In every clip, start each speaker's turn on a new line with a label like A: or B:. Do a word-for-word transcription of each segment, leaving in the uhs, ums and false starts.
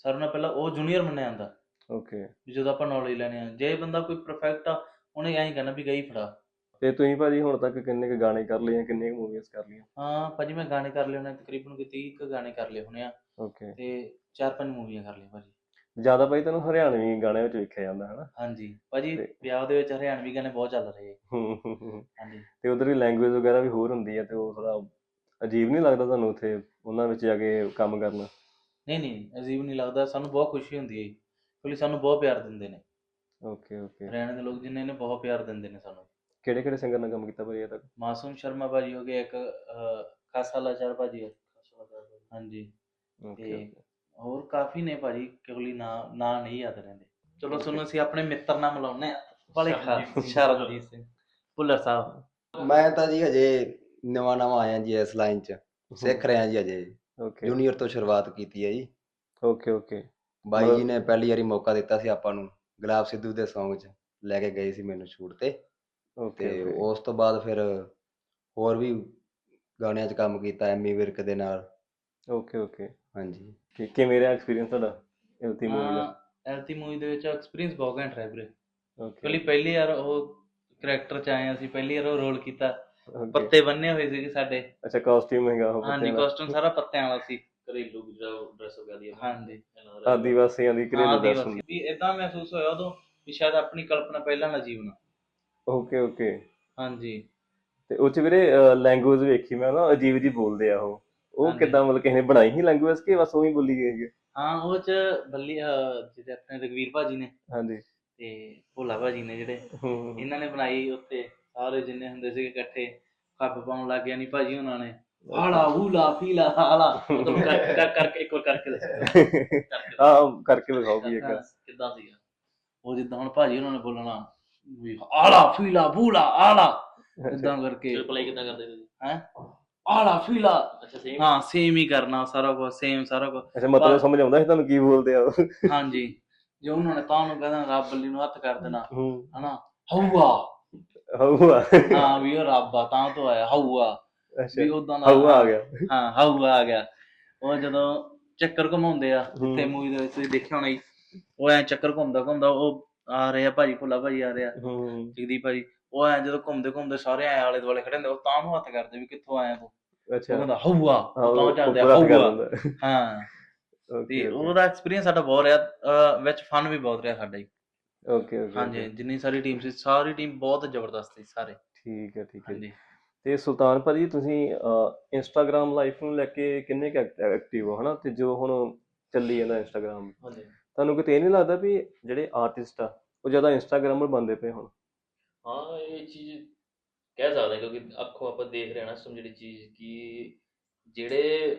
A: ਸਾਰਿਆਂ ਨਾਲੋਂ ਪਹਿਲਾਂ ਉਹ ਜੂਨੀਅਰ ਮੰਨਿਆ ਜਾਂਦਾ
B: ਓਕੇ।
A: ਵੀ ਜਦੋਂ ਆਪਾਂ ਨੌਲੇਜ ਲੈਣੀ ਆ। ਜੇ ਬੰਦਾ ਕੋਈ ਪਰਫੈਕਟ ਆ ਉਹਨੇ ਐਂ ਕਹਿਣਾ ਵੀ ਗਈ ਫੜਾ।
B: ਤੇ ਤੁਸੀਂ ਭਾਜੀ ਹੁਣ ਤੱਕ ਕਿੰਨੇ ਕੁ ਗਾਣੇ ਕਰ ਲਏ ਆ, ਕਿੰਨੀਆਂ ਕੁ ਮੂਵੀਜ਼ ਕਰ ਲਈਆਂ?
A: ਹਾਂ ਭਾਜੀ ਮੈਂ ਗਾਣੇ ਕਰ ਲਏ ਹੋਣੇ ਤਕਰੀਬਨ ਕੋਈ ਤੀਹ ਕੁ ਗਾਣੇ ਕਰ ਲਏ ਹੋਣੇ ਆ
B: ਓਕੇ।
A: ਤੇ ਚਾਰ ਪੰਜ ਮੂਵੀਆਂ ਕਰ ਲਈਆਂ ਭਾਜੀ।
B: ਜ਼ਿਆਦਾ ਭਾਈ ਤੈਨੂੰ ਹਰਿਆਣਵੀ ਗਾਣਿਆਂ ਵਿੱਚ ਵੇਖਿਆ ਜਾਂਦਾ ਹੈ ਨਾ?
A: ਹਾਂਜੀ ਭਾਜੀ
B: ਤੇ
A: ਵਿਆਹ ਦੇ ਵਿੱਚ ਹਰਿਆਣਵੀ ਗਾਣੇ ਬਹੁਤ ਚੱਲ ਰਹੇ।
B: ਹੂੰ ਹੂੰ ਹੂੰ।
A: ਹਾਂਜੀ
B: ਤੇ ਉਧਰ ਦੀ ਲੈਂਗੁਏਜ ਵਗੈਰਾ ਵੀ ਹੋਰ ਹੁੰਦੀ ਹੈ, ਤੇ ਉਹ ਥੋੜਾ ਅਜੀਬ ਨਹੀਂ ਲੱਗਦਾ ਤੁਹਾਨੂੰ ਉੱਥੇ ਉਹਨਾਂ ਵਿੱਚ ਜਾ ਕੇ ਕੰਮ ਕਰਨਾ?
A: ਨਹੀਂ ਨਹੀਂ ਅਜੀਬ ਨਹੀਂ ਲੱਗਦਾ, ਸਾਨੂੰ ਬਹੁਤ ਖੁਸ਼ੀ ਹੁੰਦੀ ਹੈ ਕਿਉਂਕਿ ਸਾਨੂੰ ਬਹੁਤ ਪਿਆਰ ਦਿੰਦੇ ਨੇ
B: ਓਕੇ ਓਕੇ।
A: ਹਰਿਆਣੇ ਦੇ ਲੋਕ ਜਿੰਨੇ ਨੇ ਬਹੁਤ ਪਿਆਰ ਦਿੰਦੇ ਨੇ ਸਾਨੂੰ।
B: ਕਿਹੜੇ ਕਿਹੜੇ ਸਿੰਗਰ ਨਾਲ ਕੰਮ ਕੀਤਾ ਭਾਜੀ ਇਹ ਤੱਕ?
A: ਮਾਸੂਮ ਸ਼ਰਮਾ ਭਾਜੀ ਹੋ ਗਏ, ਇੱਕ ਅਹ, ਖਾਸਾ ਲਾਚਾਰ ਭਾਜੀ ਹੈ। ਹਾਂਜੀ
B: ਓਕੇ
A: ਤੇ
B: ਓਕੇ।
A: ਹੋਰ ਕਾਫੀ ਨੇ ਭਾਜੀ, ਕਿਉਂਕਿ ਨਾਂ ਨਾਂ ਨਹੀਂ ਯਾਦ ਰਹਿੰਦੇ। ਚਲੋ ਤੁਹਾਨੂੰ ਅਸੀਂ ਆਪਣੇ ਮਿੱਤਰ ਨਾਲ ਮਿਲਾਉਂਦੇ ਹਾਂ। ਬੜੇ ਖਾਸ ਸ਼ਰਨਜੀਤ ਸਿੰਘ ਭੁੱਲਰ ਸਾਹਿਬ।
C: ਮੈਂ ਤਾਂ ਜੀ ਹਜੇ ਨਵਾਂ ਨਵਾਂ ਆਇਆ ਜੀ ਇਸ ਲਾਈਨ 'ਚ, ਸਿੱਖ ਰਿਹਾ ਜੀ ਹਜੇ,
B: ਓਕੇ
C: ਜੂਨੀਅਰ ਤੋਂ ਸ਼ੁਰੂਆਤ ਕੀਤੀ ਹੈ ਜੀ।
B: Okay okay.
C: ਬਾਈ ਜੀ ਨੇ ਪਹਿਲੀ ਵਾਰੀ ਮੌਕਾ ਦਿੱਤਾ ਸੀ ਆਪਾਂ ਨੂੰ, ਗੁਲਾਬ ਸਿੱਧੂ ਦੇ ਸੌਂਗ 'ਚ ਲੈ ਕੇ ਗਏ ਸੀ ਮੈਨੂੰ ਸ਼ੂਟ ਤੇ।
B: ਓਕੇ
C: ਤੇ
B: ਓਕੇ
C: ਉਸ ਤੋਂ ਬਾਅਦ ਫਿਰ ਹੋਰ ਵੀ ਗਾਣਿਆਂ 'ਚ ਕੰਮ ਕੀਤਾ ਐਮੀ ਵਿਰਕ ਦੇ ਨਾਲ।
B: Okay okay.
C: ਹਾਂਜੀ।
B: ਕਿ ਕਿਵੇਂ ਰਿਹਾ ਐਕਸਪੀਰੀਅੰਸ ਤੁਹਾਡਾ ਇਲਤੀ ਮੂਵੀ ਦਾ?
A: ਹਾਂ ਐਲਤੀ ਮੂਵੀ ਦੇ ਵਿੱਚ ਐਕਸਪੀਰੀਅੰਸ ਬਹੁਤ ਘੈਂਟ ਰਿਹਾ ਵੀਰੇ।
B: ਓਕੇ
A: ਕਿਉਂਕਿ ਪਹਿਲੀ ਵਾਰ ਉਹ ਕਰੈਕਟਰ 'ਚ ਆਏ ਅਸੀਂ, ਪਹਿਲੀ ਵਾਰ ਉਹ ਰੋਲ ਕੀਤਾ।
B: ਓਕੇ।
A: ਪੱਤੇ ਬੰਨੇ ਹੋਏ ਸੀਗੇ ਸਾਡੇ।
B: ਅੱਛਾ ਕਾਸਟਿਊਮ ਹੈਗਾ ਉਹ
A: ਹਾਂਜੀ
B: ਪੱਤਿਆਂ ਦਾ?
A: ਕਾਸਟਿਊਮ ਸਾਰਾ ਪੱਤਿਆਂ ਵਾਲਾ ਸੀ।
D: ਘਰੇਲੂ ਡਰੈਸ ਹੋ ਗਈ
A: ਹਾਂਜੀ
B: ਆਦੀਵਾਸੀਆਂ ਦੀ
A: ਹਾਂ
B: ਘਰੇਲੂ ਡਰੈਸ
A: ਆਦੀਵਾਸੀ
B: ਹੁੰਦੀ।
A: ਵੀ ਏਦਾਂ ਮਹਿਸੂਸ ਹੋਇਆ ਉਦੋਂ ਵੀ ਸ਼ਾਇਦ ਆਪਣੀ ਕਲਪਨਾ ਪਹਿਲਾਂ ਨਾ ਜੀਵਨ।
B: Okay okay.
A: ਹਾਂਜੀ
B: ਤੇ ਉਹ 'ਚ ਵੀਰੇ ਲੈਂਗੁਏਜ ਵੇਖੀ ਮੈਂ ਨਾ, ਅਜੀਬ ਜੀ ਬੋਲਦੇ ਆ ਉਹ ਉਹ
A: ਹਾਂਜੀ।
B: ਕਿੱਦਾਂ, ਮਤਲਬ ਕਿਸੇ ਨੇ ਬਣਾਈ ਸੀ ਲੈਂਗੁਏਜ ਕਿ ਬਸ ਉਹੀ ਬੋਲੀ ਗਈ ਹੈ?
A: ਹਾਂ ਉਹ 'ਚ ਬੱਲੀ ਅਹ, ਜਿਹੜੇ ਆਪਣੇ ਰਘਵੀਰ ਭਾਜੀ ਨੇ
B: ਹਾਂਜੀ।
A: ਤੇ ਭੋਲਾ ਭਾਜੀ ਨੇ ਜਿਹੜੇ
B: ਹੂੰ
A: ਇਹਨਾਂ ਨੇ ਬਣਾਈ। ਉੱਤੇ ਸਾਰੇ ਜਿੰਨੇ ਹੁੰਦੇ ਸੀਗੇ ਇਕੱਠੇ ਖੱਪ ਪਾਉਣ ਲੱਗ ਗਿਆ ਨਹੀਂ ਭਾਜੀ ਉਹਨਾਂ ਨੇ, ਆਲਾ ਹੂਲਾ ਫੀਲਾ ਆਲਾ ਮਤਲਬ ਕਰ- ਕਰ- ਕਰਕੇ ਇੱਕ ਵਾਰ ਕਰਕੇ ਦੱਸੋ
B: ਹਾਂ ਕਰਕੇ ਵਿਖਾਓ ਵੀ ਇੱਕ।
A: ਕਿੱਦਾਂ ਸੀਗਾ ਉਹ, ਜਿੱਦਾਂ ਹੁਣ ਭਾਜੀ ਉਹਨਾਂ ਨੇ ਬੋਲਣਾ ਵੀ ਆਲਾ ਫੀਲਾ ਬੂਲਾ ਆਲਾ, ਇਦਾਂ ਕਰਕੇ
D: ਰਿਪਲਾਈ ਕਿੱਦਾਂ ਕਰਦੇ ਤੁਸੀਂ?
A: ਹੈ ਆਲਾ ਫੀਲਾ।
D: ਅੱਛਾ ਸੇਮ।
A: ਹਾਂ ਸੇਮ ਹੀ ਕਰਨਾ ਸਾਰਾ ਕੁਝ, ਸੇਮ ਸਾਰਾ ਕੁਝ।
B: ਅੱਛਾ ਮਤਲਬ ਸਮਝ ਆਉਂਦਾ ਸੀ ਤੁਹਾਨੂੰ ਕੀ ਬੋਲਦੇ ਆ ਉਹ?
A: ਹਾਂਜੀ ਜੇ ਉਹਨਾਂ ਨੇ ਤਾਂ ਨੂੰ ਕਹਿਣਾ ਰੱਬ ਬੱਲੀ ਨੂੰ ਹੱਥ ਕਰ ਦੇਣਾ
B: ਹੂੰ
A: ਹਨਾ, ਹਊਆ।
B: ਹਊਆ।
A: ਹਾਂ ਵੀ ਉਹ ਰੱਬ ਆ ਤਾਂ ਤੋਂ ਆਇਆ ਹਊਆ,
B: ਅੱਛਾ
A: ਵੀ ਉਦਾਂ ਦਾ।
B: ਹਊਆ ਆ ਗਿਆ।
A: ਹਾਂ ਹਊਆ ਆ ਗਿਆ। ਉਹ ਜਦੋਂ ਚੱਕਰ ਘੁਮਾਉਂਦੇ ਆ ਜਿੱਥੇ
B: ਹੂੰ।
A: ਮੂਵੀ ਦੇ ਵਿੱਚ ਤੁਸੀਂ ਦੇਖਿਆ ਹੋਣਾ ਜੀ, ਉਹ ਐ ਚੱਕਰ ਘੁੰਮਦਾ ਘੁੰਮਦਾ ਉਹ ਆ ਰਹੇ ਆ ਭਾਜੀ, ਭੁੱਲਾ ਭਾਜੀ ਆ ਰਿਹਾ,
B: ਹੂੰ।
A: ਜਗਦੀਪ ਭਾਜੀ। ਉਹ ਐ ਜਦੋਂ ਘੁੰਮਦੇ ਘੁੰਮਦੇ ਸਾਰੇ ਐ ਆਲੇ ਦੁਆਲੇ ਖੜੇ ਹੁੰਦੇ, ਉਹ ਤਾਂ ਨੂੰ ਹੱਥ ਕਰਦੇ ਵੀ ਕਿੱਥੋਂ ਆਇਆ ਤੂੰ। ਉਹ
B: ਅੱਛਾ
A: ਕਹਿੰਦਾ ਹਊਆ,
B: ਹਾਂ
A: ਉਹ ਤਾਂ
B: ਉਹ
A: ਚੱਲਦੇ ਆ
B: ਪੂਰਾ ਕਰ
A: ਹਊਆ।
B: ਦਿੰਦਾ।
A: ਹਾਂ ਤੇ
B: ਓਕੇ ਓਕੇ
A: ਉਹਦਾ ਐਕਸਪੀਰੀਅੰਸ ਸਾਡਾ ਬਹੁਤ ਰਿਹਾ, ਅਹ ਵਿੱਚ ਫਨ ਵੀ ਬਹੁਤ ਰਿਹਾ ਸਾਡਾ ਜੀ।
B: ਓਕੇ ਓਕੇ
A: ਹਾਂਜੀ
B: ਓਕੇ।
A: ਜਿੰਨੀ ਸਾਰੀ ਟੀਮ ਸੀ, ਸਾਰੀ ਟੀਮ ਬਹੁਤ ਜ਼ਬਰਦਸਤ ਸੀ ਸਾਰੇ।
B: ਠੀਕ ਹੈ ਠੀਕ ਹੈ ਜੀ।
A: ਹਾਂਜੀ
B: ਤੇ ਸੁਲਤਾਨ ਭਾਜੀ ਤੁਸੀਂ ਇੰਸਟਾਗ੍ਰਾਮ ਲਾਈਫ ਨੂੰ ਲੈ ਕੇ ਕਿੰਨੇ ਕੁ ਐਕਟਿਵ ਹੋ, ਹੈ ਨਾ? ਤੇ ਜੋ ਹੁਣ ਚੱਲੀ ਜਾਂਦਾ ਇੰਸਟਾਗ੍ਰਾਮ,
D: ਹਾਂਜੀ
B: ਤੁਹਾਨੂੰ ਕਿਤੇ ਇਹ ਨਹੀਂ ਲੱਗਦਾ ਵੀ ਜਿਹੜੇ ਆਰਟਿਸਟ ਆ ਉਹ ਜ਼ਿਆਦਾ ਇੰਸਟਾਗ੍ਰਾਮਰ ਬਣਦੇ ਪਏ ਹੁਣ?
D: ਹਾਂ ਇਹ ਚੀਜ਼ ਕਹਿ ਸਕਦੇ ਕਿਉਂਕਿ ਅੱਖੋਂ ਆਪਾਂ ਦੇਖ ਰਹੇ ਹਾਂ ਨਾ ਇਸ ਟਾਈਮ ਜਿਹੜੀ ਚੀਜ਼ ਕਿ ਜਿਹੜੇ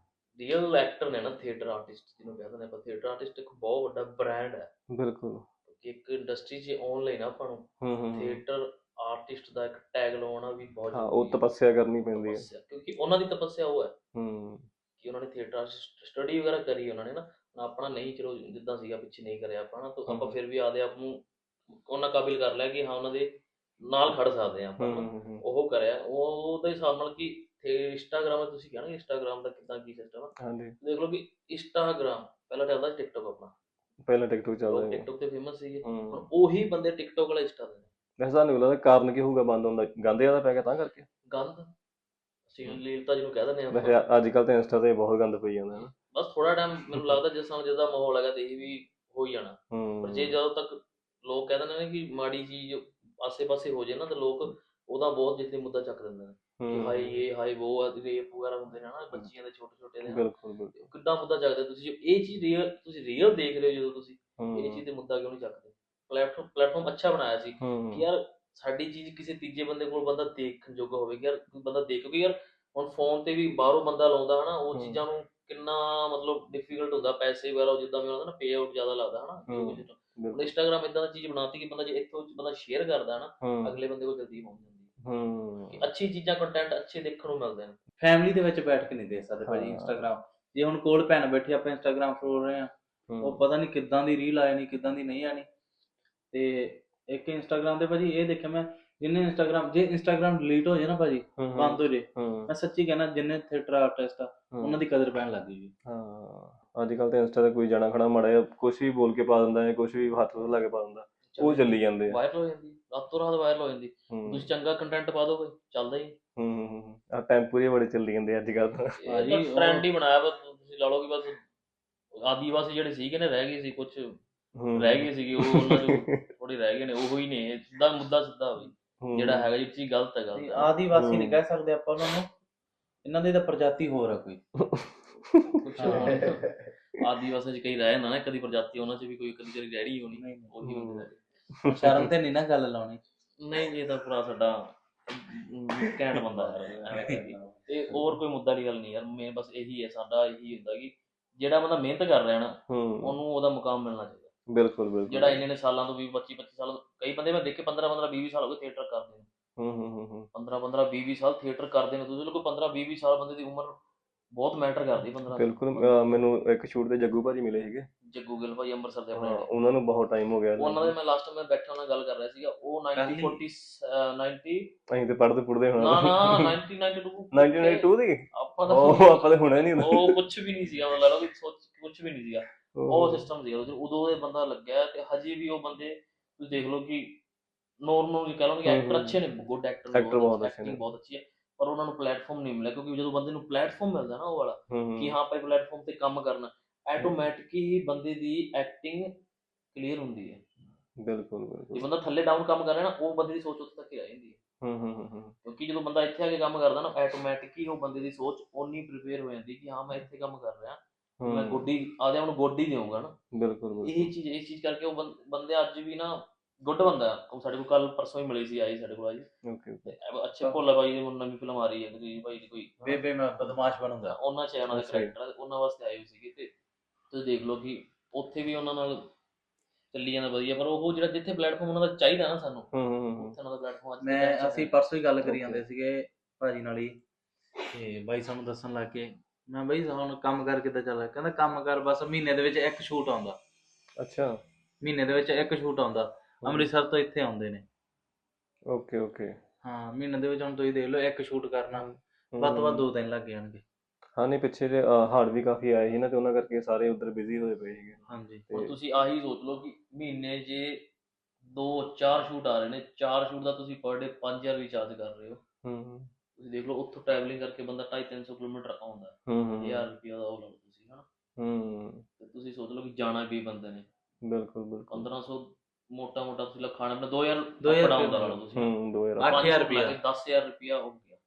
D: ਰੀਅਲ ਐਕਟਰ ਨੇ ਨਾ, ਥੀਏਟਰ ਆਰਟਿਸਟ ਜਿਹਨੂੰ ਕਹਿ ਦਿੰਦੇ ਆਪਾਂ, ਥੀਏਟਰ ਆਰਟਿਸਟ ਇੱਕ ਬਹੁਤ ਵੱਡਾ ਬ੍ਰਾਂਡ ਹੈ।
B: ਬਿਲਕੁਲ।
D: ਕਿ ਇੱਕ ਇੰਡਸਟਰੀ 'ਚ ਆਉਣ ਲਈ ਨਾ ਆਪਾਂ ਨੂੰ
B: ਹੂੰ ਹੂੰ ਹੂੰ।
D: ਥੀਏਟਰ ਆਰਟਿਸਟ ਦਾ ਇੱਕ ਟੈਗ ਲਵਾਉਣਾ ਵੀ ਬਹੁਤ
B: ਹਾਂ ਉਹ
D: ਜ਼ਰੂਰੀ ਹੈ।
B: ਤਪੱਸਿਆ ਕਰਨੀ ਪੈਂਦੀ ਹੈ।
D: ਤਪੱਸਿਆ, ਕਿਉਂਕਿ ਉਹਨਾਂ ਦੀ ਤਪੱਸਿਆ ਉਹ ਹੈ
B: ਹੂੰ
D: ਕਿ ਉਹਨਾਂ ਨੇ ਥੀਏਟਰ ਸਟੱਡੀ ਵਗੈਰਾ ਕਰੀ ਉਹਨਾਂ ਨੇ ਨਾ। ਆਪਣਾ ਨਹੀਂ, ਚਲੋ ਜਿੱਦਾਂ ਸੀਗਾ ਪਿੱਛੇ ਨਹੀਂ ਕਰਿਆ ਆਪਾਂ ਨਾ, ਤਾਂ ਆਪਾਂ
B: ਹੂੰ
D: ਫਿਰ ਵੀ ਆਪਦੇ ਆਪ ਨੂੰ ਉਹਨਾਂ ਕਾਬਿਲ ਕਰ ਲਿਆ ਕਿ ਹਾਂ ਉਹਨਾਂ ਦੇ ਨਾਲ ਖੜ ਸਕਦੇ ਹਾਂ ਆਪਾਂ
B: ਹੂੰ
D: ਨਾ।
B: ਹੂੰ ਹੂੰ।
D: ਉਹ ਕਰਿਆ ਉਹ ਉਹਦੇ ਹਿਸਾਬ ਨਾਲ ਕਿ ਇੰਸਟਾਗ੍ਰਾਮ ਤੁਸੀਂ ਕਹਿਣਾ ਇੰਸਟਾਗ੍ਰਾਮ ਦਾ ਕਿੱਦਾਂ ਕੀ ਸਿਸਟਮ ਆ।
B: ਹਾਂਜੀ
D: ਦੇਖ ਲਓ ਕਿ ਇੰਸਟਾਗ੍ਰਾਮ ਪਹਿਲਾਂ ਚੱਲਦਾ ਸੀ ਟਿਕਟੋਕ ਆਪਣਾ,
B: ਪਹਿਲਾਂ ਟਿਕਟੋਕ ਚੱਲਦਾ
D: ਲੋਕ
B: ਸੀ।
D: ਟਿਕਟੋਕ ਤੇ ਫੇਮਸ ਸੀਗੇ।
B: ਹੂੰ।
D: ਹੁਣ ਉਹੀ ਬੰਦੇ ਟਿਕਟੋਕ ਵਾਲਾ ਇੰਸਟਾ ਦੇ ਨੇ।
B: ਵੈਸੇ ਤੁਹਾਨੂੰ ਲੱਗਦਾ ਕਾਰਨ ਕੀ ਹੋਊਗਾ ਬੰਦ ਹੁੰਦਾ? ਗੰਦ ਜ਼ਿਆਦਾ ਪੈ ਗਿਆ ਤਾਂ ਕਰਕੇ?
D: ਗੰਦ ਅਸ਼ਲੀਲਤਾ ਜਿਹਨੂੰ ਕਹਿ ਦਿੰਦੇ
B: ਵੈਸੇ
D: ਆਪਾਂ।
B: ਅੱਜ ਕੱਲ੍ਹ ਤਾਂ ਇੰਸਟਾ ਤੇ ਬਹੁਤ ਗੰਦ ਪਈ ਜਾਂਦਾ ਨਾ।
D: ਬਸ ਥੋੜਾ ਟਾਈਮ ਮੈਨੂੰ ਲੱਗਦਾ ਜਿਸ ਸਮੇਂ ਜਿੱਦਾਂ ਮਾਹੌਲ ਹੈਗਾ ਤੇ ਇਹ ਵੀ ਹੋ ਹੀ ਜਾਣਾ। ਪਰ ਜੇ
B: ਹੂੰ
D: ਜਦੋਂ ਤੱਕ ਲੋਕ ਕਹਿ ਦਿੰਦੇ ਨੇ ਕਿ ਮਾੜੀ ਚੀਜ਼ ਆਸੇ ਪਾਸੇ ਹੋ ਜਾਏ ਨਾ, ਤਾਂ ਲੋਕ ਉਹਦਾ ਬਹੁਤ ਜਿੱਥੇ ਮੁੱਦਾ ਚੱਕ ਦਿੰਦੇ ਨੇ ਕਿ ਹਾਈ
B: ਹੂੰ।
D: ਇਹ ਹਾਈ ਉਹ ਰੇਪ ਵਗੈਰਾ ਹੁੰਦੇ ਨੇ ਨਾ ਬੱਚੀਆਂ ਦੇ, ਛੋਟੇ ਛੋਟੇ ਦੇ,
B: ਬਿਲਕੁਲ ਬਿਲਕੁਲ।
D: ਕਿੱਦਾਂ ਮੁੱਦਾ ਚੱਕਦੇ ਤੁਸੀਂ? ਜੋ ਇਹ ਚੀਜ਼ ਰੀਅਲ ਤੁਸੀਂ ਰੀਅਲ ਦੇਖ ਰਹੇ ਹੋ, ਜਦੋਂ ਤੁਸੀਂ ਇਹ
B: ਹੂੰ
D: ਚੀਜ਼ ਤੇ ਮੁੱਦਾ ਕਿਉਂ ਨਹੀਂ ਚੱਕਦੇ? ਪਲੇਟਫਾਰਮ ਪਲੇਟਫਾਰਮ ਅੱਛਾ ਬਣਾਇਆ ਸੀ ਕਿ
B: ਹੂੰ
D: ਯਾਰ ਸਾਡੀ ਚੀਜ਼ ਕਿਸੇ ਤੀਜੇ ਬੰਦੇ ਕੋਲ ਬੰਦਾ ਦੇਖਣ ਜੋਗਾ ਹੋਵੇ ਕਿ ਯਾਰ ਕੋਈ ਬੰਦਾ ਦੇਖ, ਕਿਉਂਕਿ ਯਾਰ ਹੁਣ ਫੋਨ ਤੇ ਵੀ ਬਾਹਰੋਂ ਬੰਦਾ ਲਾਉਂਦਾ ਹਨਾ, ਉਹ
B: ਹੂੰ
D: ਚੀਜ਼ਾਂ ਨੂੰ ਕਿੰਨਾ ਮਤਲਬ ਡਿਫੀਕਲਟ ਹੁੰਦਾ, ਪੈਸੇ ਵਗੈਰਾ ਜਿੱਦਾਂ ਵੀ ਹੁੰਦਾ ਨਾ, ਪੇ ਆਊਟ ਜ਼ਿਆਦਾ ਲੱਗਦਾ ਹਨਾ ਜੋ
B: ਹੂੰ
D: ਕੁਝ। ਹੁਣ
B: ਬਿਲਕੁਲ।
D: ਇੰਸਟਾਗ੍ਰਾਮ ਇਦਾਂ ਦੀ ਚੀਜ਼ ਬਣਾਤੀ ਕਿ ਬੰਦਾ ਜੇ ਇੱਥੋਂ ਬੰਦਾ ਸ਼ੇਅਰ ਕਰਦਾ ਨਾ,
B: ਹੂੰ
D: ਅਗਲੇ ਬੰਦੇ ਕੋਲ ਜਲਦੀ ਪਹੁੰਚ ਜਾਂਦੀ ਹੈ
B: ਹੂੰ।
D: ਕਿ ਅੱਛੀ ਚੀਜ਼ਾਂ ਕੰਟੈਂਟ ਅੱਛੇ ਦੇਖਣ ਨੂੰ ਮਿਲਦੇ ਨੇ।
A: ਫੈਮਿਲੀ ਦੇ ਵਿੱਚ ਬੈਠ ਕੇ ਨਹੀਂ ਦੇਖ ਸਕਦੇ ਭਾਜੀ
B: ਹਾਂ।
A: ਇੰਸਟਾਗ੍ਰਾਮ। ਜੇ ਹੁਣ ਕੋਲ ਭੈਣ ਬੈਠੀ ਆਪਾਂ ਇੰਸਟਾਗ੍ਰਾਮ ਫਰੋਲ ਰਹੇ ਆ, ਉਹ
B: ਹੂੰ
A: ਪਤਾ ਨਹੀਂ ਕਿੱਦਾਂ ਦੀ ਰੀਲ ਆ ਜਾਣੀ ਕਿੱਦਾਂ ਦੀ ਨਹੀਂ ਆਣੀ। ਤੇ ਇੱਕ ਇੰਸਟਾਗ੍ਰਾਮ ਤੇ ਭਾਜੀ ਇਹ ਦੇਖਿਆ ਮੈਂ, ਜਿੰਨੇ ਇੰਸਟਾਗ੍ਰਾਮ ਜੇ ਇੰਸਟਾਗ੍ਰਾਮ ਡਿਲੀਟ ਹੋ ਜਾਏ ਨਾ ਭਾਜੀ,
B: ਹੂੰ
A: ਬੰਦ ਹੋ ਜੇ,
B: ਹੂੰ
A: ਮੈਂ ਸੱਚੀ ਕਹਿਣਾ ਜਿੰਨੇ ਥੀਏਟਰ ਆਰਟਿਸਟ ਆ ਉਹਨਾਂ
B: ਹੂੰ।
A: ਦੀ ਕਦਰ ਪੈਣ ਲੱਗ ਗਈ ਜੀ।
B: ਹਾਂ ਅੱਜ ਕੱਲ ਤਾਂ ਇੰਸਟਾ ਤੇ ਕੋਈ ਜਾਣਾ ਖੜਾ ਮਾੜਾ ਜਿਹਾ ਕੁਛ ਵੀ ਬੋਲ ਕੇ ਪਾ ਦਿੰਦਾ ਹੈ, ਕੁਛ ਵੀ ਹੱਥ ਲਾ ਕੇ ਪਾ ਦਿੰਦਾ, ਉਹ ਚੱਲੀ ਜਾਂਦੇ ਆ।
D: ਵਾਇਰਲ ਹੋ ਜਾਂਦੀ, ਰਾਤੋਂ ਰਾਤ ਵਾਇਰਲ ਹੋ ਜਾਂਦੀ।
B: ਹੂੰ
D: ਤੁਸੀਂ ਚੰਗਾ ਕੰਟੈਂਟ ਪਾ ਦੋ ਕੋਈ ਚੱਲਦਾ ਹੀ
B: ਹੂੰ ਹੂੰ ਹੂੰ ਆ ਟੈਂਪੂ ਜਿਹੇ ਬੜੇ ਚੱਲੀ ਜਾਂਦੇ ਅੱਜ ਕੱਲ ਤਾਂ।
D: ਇਹ
A: ਭਾਜੀ,
D: ਤਾਂ
A: ਉਹ-
D: ਟ੍ਰੈਂਡ ਹੀ ਬਣਾਇਆ ਵਾ। ਤੁਸੀਂ ਲਾ ਲਓ ਕਿ ਬਸ ਆਦੀਵਾਸੀ ਜਿਹੜੇ ਸੀਗੇ ਨੇ ਰਹਿ ਗਏ ਸੀ, ਕੁਝ
B: ਹੂੰ
D: ਰਹਿ ਗਏ ਸੀਗੇ, ਉਹ ਉਹਨਾਂ ਚੋਂ ਥੋੜੇ ਰਹਿ ਗਏ ਨੇ, ਉਹ ਹੀ ਨੇ। ਇਹ ਸਿੱਧਾ ਮੁੱਦਾ ਸਿੱਧਾ ਬਈ
B: ਹੂੰ,
D: ਜਿਹੜਾ ਹੈਗਾ ਜਿਹੜੀ ਚੀਜ਼ ਗਲਤ ਹੈ
A: ਤੇ
D: ਗਲਤ ਹੈ।
A: ਆਦੀਵਾਸੀ ਨਹੀਂ
B: ਹੂੰ।
A: ਕਹਿ ਸਕਦੇ ਆਪਾਂ ਉਹਨਾਂ ਨੂੰ, ਇਹਨਾਂ ਦੀ ਤਾਂ ਪ੍ਰਜਾਤੀ ਹੋਰ ਆ ਕੋਈ।
D: ਕੁਛ ਹੁਣ ਆਦੀਵਾਸੀਆਂ ਚ ਕਈ ਰਹਿ ਜਾਂਦਾ ਨਾ ਕਦੀ ਪ੍ਰਜਾਤੀ, ਉਹਨਾਂ ਚ ਵੀ ਕੋਈ ਕਦੀ ਕਦੀ ਰਹਿ ਹੋਣੀ,
A: ਨਹੀਂ, ਨਹੀਂ।
D: ਉਹੀ
B: ਹੂੰ।
D: ਹੁੰਦੇ ਰਹਿ
A: ਸ਼ਰਮ ਤੇ ਨਹੀਂ ਨਾ ਗੱਲ ਲਾਉਣੀ।
D: ਗਏ। ਨਹੀਂ ਜੀ, ਇਹ ਤਾਂ ਪੂਰਾ ਸਾਡਾ ਘੈਂਟ ਬੰਦਾ ਹੈ ਐਵੇਂ ਕਹੀਏ। ਤੇ ਹੋਰ ਕੋਈ ਮੁੱਦਾ ਦੀ ਗੱਲ ਨਹੀਂ ਯਾਰ, ਮੈਂ ਬਸ ਇਹੀ ਹੈ, ਸਾਡਾ ਇਹੀ ਹੁੰਦਾ ਕਿ ਜਿਹੜਾ ਬੰਦਾ ਮਿਹਨਤ ਕਰ ਰਿਹਾ ਨਾ
B: ਹੂੰ
D: ਉਹਨੂੰ ਉਹਦਾ ਮੁਕਾਮ ਮਿਲਣਾ ਚਾਹੀਦਾ।
B: ਬਿਲਕੁਲ ਬਿਲਕੁਲ।
D: ਜਿਹੜਾ ਇੰਨੇ ਨੇ ਸਾਲਾਂ ਤੋਂ ਵੀਹ ਪੱਚੀ ਪੱਚੀ ਸਾਲ, ਕਈ ਬੰਦੇ ਮੈਂ ਦੇਖੇ ਪੰਦਰਾਂ ਪੰਦਰਾਂ ਵੀਹ ਵੀਹ ਸਾਲ ਹੋ ਗਏ ਥੀਏਟਰ ਕਰਦੇ ਨੇ।
B: ਹੂੰ ਹੂੰ ਹੂੰ ਹੂੰ
D: ਪੰਦਰਾਂ ਪੰਦਰਾਂ ਵੀਹ ਵੀਹ ਸਾਲ ਥੀਏਟਰ ਕਰਦੇ ਨੇ। ਤੁਸੀਂ ਲੋਕ ਪੰਦਰਾਂ ਵੀਹ ਵੀਹ ਸਾਲ ਬੰਦੇ ਦੀ ਉਮਰ ਬਹੁਤ ਮੈਟਰ ਕਰਦੀ। ਪੰਦਰਾਂ
B: ਬਿਲਕੁਲ। ਅਹ ਮੈਨੂੰ ਇੱਕ ਸ਼ੂਟ ਤੇ ਜੱਗੂ ਭਾਜੀ ਮਿਲੇ ਸੀਗੇ।
D: ਜੱਗੂ ਗਿੱਲ ਭਾਈ ਅੰਮ੍ਰਿਤਸਰ ਦੇ ਆਪਣੇ
B: ਹਾਂ,
D: ਨੇ।
B: ਉਹਨਾਂ ਨੂੰ ਬਹੁਤ ਟਾਈਮ ਹੋ ਗਿਆ।
D: ਉਹਨਾਂ ਦੇ ਮੈਂ ਲਾਸਟ ਮੈਂ ਬੈਠਾ ਉਹਨਾਂ ਨਾਲ ਗੱਲ ਕਰ ਰਿਹਾ ਸੀਗਾ। ਉਹ ਨਾਈਨਟੀ ਫੋਰਟੀ ਨਾਈਨਟੀ
B: ਅਸੀਂ ਤੇ ਪੜ੍ਹਦੇ ਪੁੜਦੇ
D: ਨਾ
B: ਹੋਣਾ।
D: ਨਾ ninety ninety two
B: nineteen ninety two ਦੀ
D: ਆਪਾਂ ਤਾਂ
B: ਉਹ ਆਪਾਂ ਤਾਂ ਹੁਣੇ ਨਹੀਂ।
D: ਉਹ ਕੁਝ ਵੀ ਨਹੀਂ ਸੀਗਾ, ਮਤਲਬ ਲਓ ਕਿ ਸੋਚ ਕੁਝ ਵੀ ਨਹੀਂ ਸੀਗਾ। ਉਹ ਸਿਸਟਮ ਸੀਗਾ ਉਦੋਂ ਉਦੋਂ ਇਹ ਬੰਦਾ ਲੱਗਿਆ ਤੇ ਹਜੇ ਵੀ ਉਹ ਬੰਦੇ ਤੁਸੀਂ ਦੇਖ ਲਓ ਕਿ ਨੋਰਮਲ ਕਹਿ ਲਓ ਕਿ ਐਕਟਰ ਅੱਛੇ ਨੇ, ਗੁੱਡ ਐਕਟਰ
B: Actor ਬਹੁਤ ਅੱਛੇ
D: ਐਕਟਿੰਗ
B: ਨੇ।
D: ਬਹੁਤ ਅੱਛੀ ਹੈ, ਪਰ ਉਹਨਾਂ ਨੂੰ ਪਲੇਟਫਾਰਮ ਨਹੀਂ ਮਿਲਿਆ। ਕਿਉਂਕਿ ਜਦੋਂ ਬੰਦੇ ਨੂੰ ਪਲੇਟਫਾਰਮ ਮਿਲਦਾ ਨਾ ਉਹ ਵਾਲਾ
B: ਹੂੰ
D: ਕਿ ਹਾਂ ਆਪਾਂ ਪਲੇਟਫਾਰਮ ਤੇ ਕੰਮ ਕਰਨਾ, ਆਟੋਮੈਟਿਕ ਹੀ ਬੰਦੇ ਦੀ ਐਕਟਿੰਗ ਕਲੀਅਰ ਹੁੰਦੀ ਹੈ।
B: ਬਿਲਕੁਲ
D: ਜੇ
B: ਬਿਲਕੁਲ।
D: ਬੰਦਾ ਥੱਲੇ ਡਾਊਨ ਕੰਮ ਕਰ ਰਿਹਾ ਨਾ, ਉਹ ਬੰਦੇ ਦੀ ਸੋਚ ਉੱਥੇ ਤੱਕ ਹੀ ਰਹਿ ਜਾਂਦੀ ਹੈ।
B: ਹੂੰ ਹੂੰ ਹੂੰ ਹੂੰ
D: ਕਿਉਂਕਿ ਜਦੋਂ ਬੰਦਾ ਇੱਥੇ ਆ ਕੇ ਕੰਮ ਕਰਦਾ ਨਾ, ਆਟੋਮੈਟਿਕ ਹੀ ਉਹ ਬੰਦੇ ਦੀ ਸੋਚ ਓਨੀ ਪ੍ਰੀਪੇਅਰ ਹੋ ਜਾਂਦੀ ਕਿ ਹਾਂ ਮੈਂ ਇੱਥੇ ਕੰਮ ਕਰ ਰਿਹਾ, ਮੈਂ
B: ਹੂੰ
D: ਗੋਡੀ ਆਪਦੇ ਆਪ ਨੂੰ ਗੋਡੀ ਦੇਵਾਂਗਾ ਨਾ।
B: ਬਿਲਕੁਲ ਬਿਲਕੁਲ।
D: ਇਹ ਚੀਜ਼ ਇਸ ਚੀਜ਼ ਕਰਕੇ ਉਹ ਬੰ- ਬੰਦੇ ਅੱਜ ਵੀ ਨਾ ਗੁੱਡ ਬੰਦਾ। ਉਹ ਸਾਡੇ ਕੋਲ ਕੱਲ ਪਰਸੋਂ ਹੀ ਮਿਲੀ ਸੀ, ਆਈ ਸਾਡੇ ਕੋਲ ਆਈ
B: ਓਕੇ ਓਕੇ।
D: ਤੇ ਅੱਛੇ ਭੋਲਾ ਬਾਈ ਦੀ ਹੁਣ ਨਵੀਂ ਫਿਲਮ ਆ ਰਹੀ ਹੈ ਕੋਈ ਭਾਈ ਦੀ ਕੋਈ ਹਨਾ।
A: ਬੇਬੇ ਮੈਂ ਬਦਮਾਸ਼ ਬਣੂੰਗਾ।
D: ਉਹਨਾਂ ਚ ਉਹਨਾਂ ਦੇ
B: ਅੱਛਾ ਜੀ।
D: ਕਰੈਕਟਰ ਉਹਨਾਂ ਵਾਸਤੇ ਆਏ ਹੋਏ ਸੀਗੇ। ਤੇ ਤੁਸੀਂ ਦੇਖ ਲਓ ਕਿ ਉੱਥੇ ਵੀ ਉਹਨਾਂ ਨਾਲ ਚੱਲੀ ਜਾਂਦਾ ਵਧੀਆ, ਪਰ ਉਹ ਜਿਹੜਾ ਜਿੱਥੇ ਪਲੇਟਫਾਰਮ ਉਹਨਾਂ ਦਾ ਚਾਹੀਦਾ ਨਾ ਸਾਨੂੰ,
B: ਹੂੰ ਹੂੰ ਹੂੰ
D: ਉੱਥੇ ਉਹਨਾਂ ਦਾ ਪਲੇਟਫਾਰਮ ਅੱਜ
A: ਮੈਂ ਅਸੀਂ ਪਰਸੋਂ ਹੀ ਗੱਲ ਕਰੀ
B: Okay.
A: ਜਾਂਦੇ ਸੀਗੇ ਭਾਜੀ ਨਾਲ ਹੀ, ਤੇ ਬਾਈ ਸਾਨੂੰ ਦੱਸਣ ਲੱਗ ਕੇ, ਮੈਂ ਬਾਈ ਹੁਣ ਕੰਮ ਕਰ ਕਿੱਦਾਂ ਚੱਲ ਰਿਹਾ? ਕਹਿੰਦਾ ਕੰਮ ਕਰ ਬਸ ਮਹੀਨੇ ਦੇ ਵਿੱਚ ਇੱਕ ਸ਼ੂਟ ਆਉਂਦਾ,
B: ਅੱਛਾ।
A: ਮਹੀਨੇ ਦੇ ਵਿੱਚ ਇੱਕ ਸ਼ੂਟ ਆਉਂਦਾ। ਅੰਮ੍ਰਿਤਸਰ ਤੋਂ ਇੱਥੇ ਆਉਂਦੇ ਨੇ।
B: Okay okay.
A: ਹਾਂ, ਮਹੀਨੇ ਦੇ ਵਿੱਚ ਹੁਣ ਤੁਸੀਂ ਦੇਖ ਲਓ ਇੱਕ ਸ਼ੂਟ ਕਰਨਾ ਵੱਧ ਤੋਂ ਵੱਧ ਦੋ ਦਿਨ ਲੱਗ ਜਾਣਗੇ।
B: ਹਾਂ ਨਹੀਂ, ਪਿੱਛੇ ਜੇ ਹਾੜ ਵੀ ਕਾਫੀ ਆਏ ਸੀ ਨਾ, ਤੇ ਉਹਨਾਂ ਕਰਕੇ ਸਾਰੇ ਉਧਰ ਬਿਜ਼ੀ ਹੋਏ ਪਏ ਸੀਗੇ।
A: ਹਾਂਜੀ।
D: ਹੁਣ ਤੁਸੀਂ ਆਹੀ ਸੋਚ ਲਓ ਕਿ ਮਹੀਨੇ 'ਚ ਦੋ ਚਾਰ ਸ਼ੂਟ ਆ ਰਹੇ ਨੇ, ਚਾਰ ਸ਼ੂਟ ਦਾ ਤੁਸੀਂ ਪਰ ਡੇ ਪੰਜ ਹਜ਼ਾਰ ਵੀ ਚਾਰਜ ਕਰ ਰਹੇ ਹੋ।
B: ਹੂੰ ਹੂੰ
D: ਤੁਸੀਂ ਦੇਖ ਲਓ ਉੱਥੋਂ ਟਰੈਵਲਿੰਗ ਕਰਕੇ ਬੰਦਾ ਢਾਈ ਤਿੰਨ ਸੌ ਕਿਲੋਮੀਟਰ ਆਉਂਦਾ,
B: ਹੂੰ ਹੂੰ
D: ਹਜ਼ਾਰ ਰੁਪਇਆ ਦਾ ਉਹ ਲਾ ਲਓ ਤੁਸੀਂ ਹਨਾ।
B: ਹੂੰ
D: ਤੇ ਤੁਸੀਂ ਸੋਚ ਲਓ ਕਿ ਜਾਣਾ ਵੀ ਬੰਦੇ ਨੇ
B: ਬਿਲਕੁਲ ਬਿਲਕੁਲ।
D: ਪੰਦਰਾਂ ਸੌ ਮੋਟਾ ਮੋਟਾ ਤੁਸੀਂ ਲਾ ਖਾਣਾ ਆਪਣਾ ਦੋ ਹਜ਼ਾਰ
A: ਦੋ ਹਜ਼ਾਰ
D: ਡਾਊਨ ਦਾ ਲਾ ਲਓ ਤੁਸੀਂ
B: ਹੂੰ ਦੋ ਹਜ਼ਾਰ।
A: ਅੱਠ
D: ਪੰਜ
A: ਹਜ਼ਾਰ
D: ਸੌ ਲਾ ਕੇ
A: ਰੁਪਇਆ।
D: ਦਸ ਹਜ਼ਾਰ ਰੁਪਇਆ ਹੋ ਗਿਆ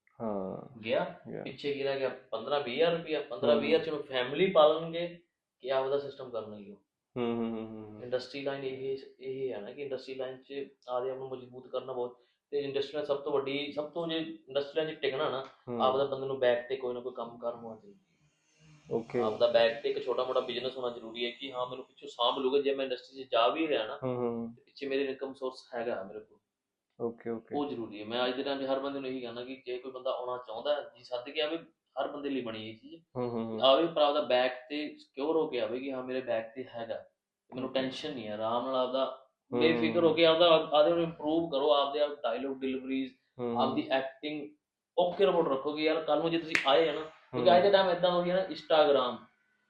B: ਹਾਂ
D: ਗਿਆ
B: ਗਿਆ।
D: ਪਿੱਛੇ ਕੀ ਰਹਿ ਗਿਆ? ਪੰਦਰਾਂ ਵੀਹ ਹਜ਼ਾਰ ਰੁਪਇਆ। ਪੰਦਰਾਂ ਵੀਹ ਹਜ਼ਾਰ ਚ ਉਹਨੂੰ ਫੈਮਿਲੀ ਪਾਲਣਗੇ ਕਿ ਆਪਦਾ ਸਿਸਟਮ ਕਰਨਗੇ ਉਹ।
B: ਹੂੰ ਹੂੰ ਹੂੰ ਹੂੰ
D: ਇੰਡਸਟਰੀ ਲਾਈਨ ਇਹ ਇਹ ਹੈ ਨਾ ਕਿ ਇੰਡਸਟਰੀ ਲਾਈਨ 'ਚ ਆਪਦੇ ਆਪ ਨੂੰ ਮਜ਼ਬੂਤ ਕਰਨਾ ਬਹੁਤ। ਤੇ ਇੰਡਸਟਰੀ ਸਭ ਤੋਂ ਵੱਡੀ ਸਭ ਤੋਂ ਜੇ ਇੰਡਸਟਰੀ ਲਾਈਨ 'ਚ ਟਿਕਣਾ ਨਾ, ਆਪਦਾ ਬੰਦੇ ਨੂੰ ਬੈਕ ਤੇ ਕੋਈ ਨਾ ਕੋਈ ਕੰਮ ਕਰਨ ਹੋਣਾ ਚਾਹੀਦਾ।
B: ਓਕੇ।
D: ਆਪਦਾ ਬੈਕ ਤੇ ਇੱਕ ਛੋਟਾ ਮੋਟਾ ਬਿਜ਼ਨਸ ਹੋਣਾ ਜ਼ਰੂਰੀ ਹੈ ਕਿ ਹਾਂ ਮੈਨੂੰ ਪਿੱਛੋਂ ਸਾਂਭ ਲੂਗਾ। ਜੇ ਮੈਂ ਇੰਡਸਟਰੀ 'ਚ ਜਾ ਵੀ ਰਿਹਾ ਨਾ,
B: ਹੂੰ ਹੂੰ
D: ਤੇ ਪਿੱਛੇ ਮੇਰੇ ਇਨਕਮ ਸੋਰਸ ਹੈਗਾ ਮੇਰੇ ਕੋਲ,
B: ਓਕੇ ਓਕੇ।
D: ਉਹ ਜ਼ਰੂਰੀ ਹੈ। ਮੈਂ ਅੱਜ ਦੇ ਟਾਈਮ 'ਚ ਹਰ ਬੰਦੇ ਨੂੰ ਇਹੀ ਕਹਿਣਾ ਕਿ ਜੇ ਕੋਈ ਬੰਦਾ ਆਉਣਾ ਚਾਹੁੰਦਾ ਜੀ ਸੱਦ ਕੇ ਆਵੇ। ਹਰ ਬੰਦੇ ਲਈ ਬਣੀ ਇਹ ਚੀਜ਼
B: ਹੂੰ ਹੂੰ
D: ਆਵੇ, ਪਰ ਆਪਦਾ ਬੈਕ ਤੇ ਸਿਕਿਉਰ ਹੋ ਕੇ ਆਵੇ ਕਿ ਹਾਂ ਮੇਰੇ ਬੈਕ ਤੇ ਹੈਗਾ, ਮੈਨੂੰ ਟੈਨਸ਼ਨ ਨਹੀਂ ਹੈ। ਆਰਾਮ ਨਾਲ ਆਪਦਾ ਬੇਫਿਕਰ ਹੋ ਕੇ ਆਪਦਾ ਆਪਦੇ ਨੂੰ ਇੰਪਰੂਵ ਕਰੋ, ਆਪਦੇ ਆਪ ਡਾਇਲੋਗ ਡਿਲੀਵਰੀਜ਼, ਆਪਦੀ ਐਕਟਿੰਗ ਓਕੇ ਰਿਪੋਰਟ ਰੱਖੋ ਕਿ ਯਾਰ ਕੱਲ ਨੂੰ ਜੇ ਤੁਸੀਂ ਆਏ ਆ ਨਾ, ਕਿਉਂਕਿ ਅੱਜ ਦੇ ਟਾਈਮ ਏਦਾਂ ਹੋ ਗਿਆ ਨਾ, ਇੰਸਟਾਗ੍ਰਾਮ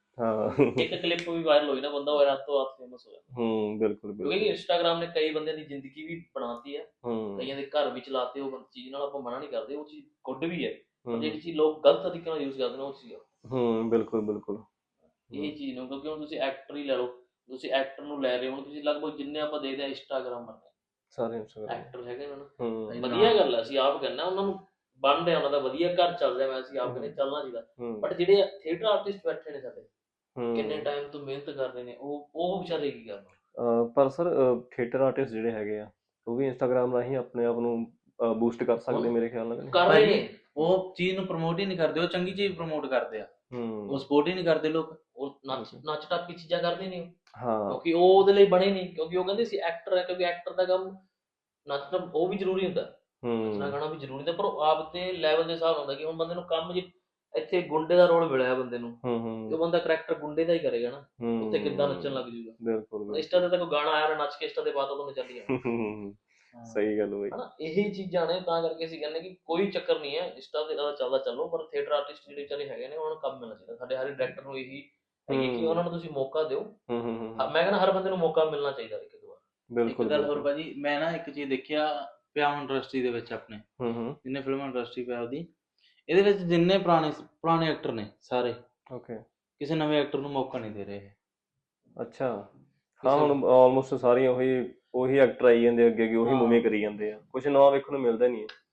B: ਹਾਂ
D: ਇੱਕ ਕਲਿੱਪ ਵੀ ਵਾਇਰਲ ਹੋਈ ਨਾ, ਬੰਦਾ ਉਹ ਰਾਤੋਂ ਰਾਤ ਫੇਮਸ ਹੋ ਜਾਂਦਾ।
B: ਹੂੰ ਬਿਲਕੁਲ
D: ਕਿਉਂਕਿ
B: ਬਿਲਕੁਲ।
D: ਇੰਸਟਾਗ੍ਰਾਮ ਨੇ ਕਈ ਬੰਦਿਆਂ ਦੀ ਜ਼ਿੰਦਗੀ ਵੀ ਬਣਾਤੀ ਹੈ,
B: ਹੂੰ
D: ਕਈਆਂ ਦੇ ਘਰ ਵੀ ਚਲਾਤੇ। ਉਹ ਚੀਜ਼ ਨਾਲ ਆਪਾਂ ਮਨਾ ਨਹੀਂ ਕਰਦੇ, ਉਹ ਚੀਜ਼ ਗੁੱਡ ਵੀ ਹੈ, ਪਰ
B: ਹੂੰ
D: ਜਿਹੜੀ ਚੀਜ਼ ਲੋਕ ਗਲਤ ਤਰੀਕੇ ਨਾਲ ਯੂਜ਼ ਕਰਦੇ ਨੇ ਉਹ ਚੀਜ਼ ਆ।
B: ਹੂੰ ਬਿਲਕੁਲ ਬਿਲਕੁਲ।
D: ਇਹ ਚੀਜ਼ ਨੂੰ ਕਿਉਂਕਿ ਹੁਣ ਤੁਸੀਂ ਐਕਟਰ ਹੀ ਲੈ ਲਓ, ਤੁਸੀਂ ਐਕਟਰ ਨੂੰ ਲੈ ਰਹੇ ਹੋ, ਹੁਣ ਤੁਸੀਂ ਲਗਭਗ ਜਿੰਨੇ ਆਪਾਂ ਦੇਖਦੇ ਹਾਂ ਇੰਸਟਾਗ੍ਰਾਮ
B: ਸਾਰੇ ਇੰਸਟਾਗ੍ਰਾਮ।
D: ਐਕਟਰ ਹੈਗੇ ਨੇ ਨਾ,
B: ਹੂੰ
D: ਵਧੀਆ ਗੱਲ ਹੈ। ਅਸੀਂ ਆਪ ਕਹਿੰਦੇ ਉਹਨਾਂ ਨੂੰ ਬਣ ਰਿਹਾ, ਉਹਨਾਂ ਦਾ ਵਧੀਆ ਘਰ ਚੱਲ ਰਿਹਾ, ਮੈਂ ਅਸੀਂ ਆਪ ਕਹਿੰਦੇ ਚੱਲਣਾ ਚਾਹੀਦਾ।
B: ਹੂੰ
D: ਬਟ ਜਿਹੜੇ ਥੀਏਟਰ ਆਰਟਿਸਟ ਬੈਠੇ ਨੇ ਸਾਡੇ,
B: ਹੂੰ
D: ਕਿੰਨੇ ਟਾਈਮ ਤੋਂ ਮਿਹਨਤ ਕਰ ਰਹੇ ਨੇ, ਉਹ ਉਹ ਵਿਚਾਰੇ ਕੀ ਕਰਨ?
B: ਅਹ ਪਰ ਸਰ ਥੀਏਟਰ ਆਰਟਿਸਟ ਜਿਹੜੇ ਹੈਗੇ ਆ, ਉਹ ਵੀ ਇੰਸਟਾਗ੍ਰਾਮ ਰਾਹੀਂ ਆਪਣੇ ਆਪ ਨੂੰ ਬੂਸਟ ਕਰ ਸਕਦੇ ਮੇਰੇ ਖਿਆਲ ਨਾਲ।
D: ਕਰ ਰਹੇ ਨੇ,
A: ਉਹ ਚੀਜ਼ ਨੂੰ ਪ੍ਰਮੋਟ ਹੀ ਨਹੀਂ ਕਰਦੇ, ਉਹ ਚੰਗੀ ਚੀਜ਼ ਪ੍ਰਮੋਟ ਕਰਦੇ ਆ,
B: ਹੂੰ
A: ਉਹ ਸਪੋਰਟ ਹੀ ਨਹੀਂ ਕਰਦੇ ਲੋਕ।
D: ਉਹ ਨੱਚ ਨੱਚ ਟੱਪ ਚੀਜ਼ਾਂ ਕਰਦੇ ਨੇ ਉਹ,
B: ਹਾਂ
D: ਕਿਉਂਕਿ ਉਹ ਉਹਦੇ ਲਈ ਬਣੇ ਨਹੀਂ, ਕਿਉਂਕਿ ਉਹ ਕਹਿੰਦੇ ਸੀ ਐਕਟਰ ਹੈ, ਕਿਉਂਕਿ ਐਕਟਰ ਦਾ ਕੰਮ ਨੱਚਣਾ ਉਹ ਵੀ ਜ਼ਰੂਰੀ ਹੁੰਦਾ, ਨੱਚਣਾ
B: ਹੂੰ
D: ਗਾਣਾ ਵੀ ਜ਼ਰੂਰੀ ਹੁੰਦਾ, ਪਰ ਉਹ ਆਪ ਦੇ ਲੈਵਲ ਦੇ ਹਿਸਾਬ ਨਾਲ ਹੁੰਦਾ ਕਿ ਹੁਣ ਬੰਦੇ ਨੂੰ ਕੰਮ ਜੇ ਇੱਥੇ ਗੁੰਡੇ ਦਾ ਰੋਲ ਮਿਲਿਆ ਬੰਦੇ ਨੂੰ,
B: ਹੂੰ
D: ਤੇ
B: ਹੂੰ
D: ਉਹ ਬੰਦਾ ਕਰੈਕਟਰ ਗੁੰਡੇ ਦਾ ਹੀ ਕਰੇਗਾ ਨਾ,
B: ਹੂੰ
D: ਉੱਥੇ ਕਿੱਦਾਂ ਨੱਚਣ ਲੱਗ ਜੂਗਾ?
B: ਬਿਲਕੁਲ ਬਿਲਕੁਲ।
D: ਇੰਸਟਾ ਤੇ ਤਾਂ ਕੋਈ ਗਾਣਾ ਆਇਆ ਨਾ, ਨੱਚ ਕੇ ਇੰਸਟਾ ਤੇ ਪਾਤਾ ਉਹਨੇ ਚੱਲ ਜਾਣਾ
B: ਹੂੰ, ਸਹੀ ਗੱਲ ਹੋਈ।
D: ਹਨਾ। ਇਹੀ ਚੀਜ਼ਾਂ ਨੇ, ਤਾਂ ਕਰਕੇ ਅਸੀਂ ਕਹਿੰਦੇ ਕਿ ਕੋਈ ਚੱਕਰ ਨਹੀਂ ਹੈ, ਇੰਸਟਾ ਤੇ ਜ਼ਿਆਦਾ ਚੱਲਦਾ ਚੱਲੋ, ਪਰ ਥੀਏਟਰ ਆਰਟਿਸਟ ਜਿਹੜੇ ਵਿਚਾਰੇ ਹੈਗੇ ਨੇ ਉਹਨਾਂ ਨੂੰ ਕੰਮ ਮਿਲਣਾ ਚਾਹੀਦਾ। ਸਾਡੇ ਹਰ ਡਾਇਰੈਕਟਰ ਨੂੰ ਇਹੀ ਹੈਗੀ ਕਿ
B: ਹੂੰ।
D: ਉਹਨਾਂ ਨੂੰ ਤੁਸੀਂ ਮੌਕਾ ਦਿਓ।
B: ਹੂੰ ਹੂੰ ਹੂੰ
D: ਹਾਂ, ਮੈਂ ਕਹਿੰਦਾ ਹਰ ਬੰਦੇ ਨੂੰ ਮੌਕਾ ਮਿਲਣਾ ਚਾਹੀਦਾ ਇੱਕ ਦੋ ਵਾਰ।
A: ਇੱਕ
B: ਬਿਲਕੁਲ
A: ਗੱਲ ਹੋਰ
B: ਬਿਲਕੁਲ।
A: ਭਾਜੀ, ਮੈਂ ਨਾ ਇੱਕ ਚੀਜ਼ ਦੇਖਿਆ ਪਿਆ ਇੰਡਸਟਰੀ ਦੇ ਵਿੱਚ ਆਪਣੇ,
B: ਹੂੰ ਹੂੰ
A: ਜਿੰਨੇ ਫਿਲਮ ਇੰਡਸਟਰੀ ਪਿਆ ਉਹਦੀ, ਇਹਦੇ ਵਿੱਚ ਜਿੰਨੇ ਪੁਰਾਣੇ ਪੁਰਾਣੇ ਐਕਟਰ ਨੇ ਸਾਰੇ,
B: ਓਕੇ
A: ਕਿਸੇ ਨਵੇਂ ਐਕਟਰ ਨੂੰ ਮੌਕਾ ਨਹੀਂ ਦੇ ਰਹੇ।
B: ਅੱਛਾ। ਹਾਂ
A: ਕਿਸੇ
B: ਹੁਣ ਆਲਮੋਸਟ ਸਾਰੀਆਂ ਉਹੀ ਉਹੀ ਐਕਟਰ ਆਈ ਜਾਂਦੇ ਅੱਗੇ ਅੱਗੇ, ਉਹੀ
A: ਹਾਂ।
B: ਮੂਵੀ ਕਰੀ ਜਾਂਦੇ ਆ, ਕੁਝ ਨਵਾਂ ਵੇਖਣ ਨੂੰ ਮਿਲਦਾ ਨਹੀਂ ਹੈ।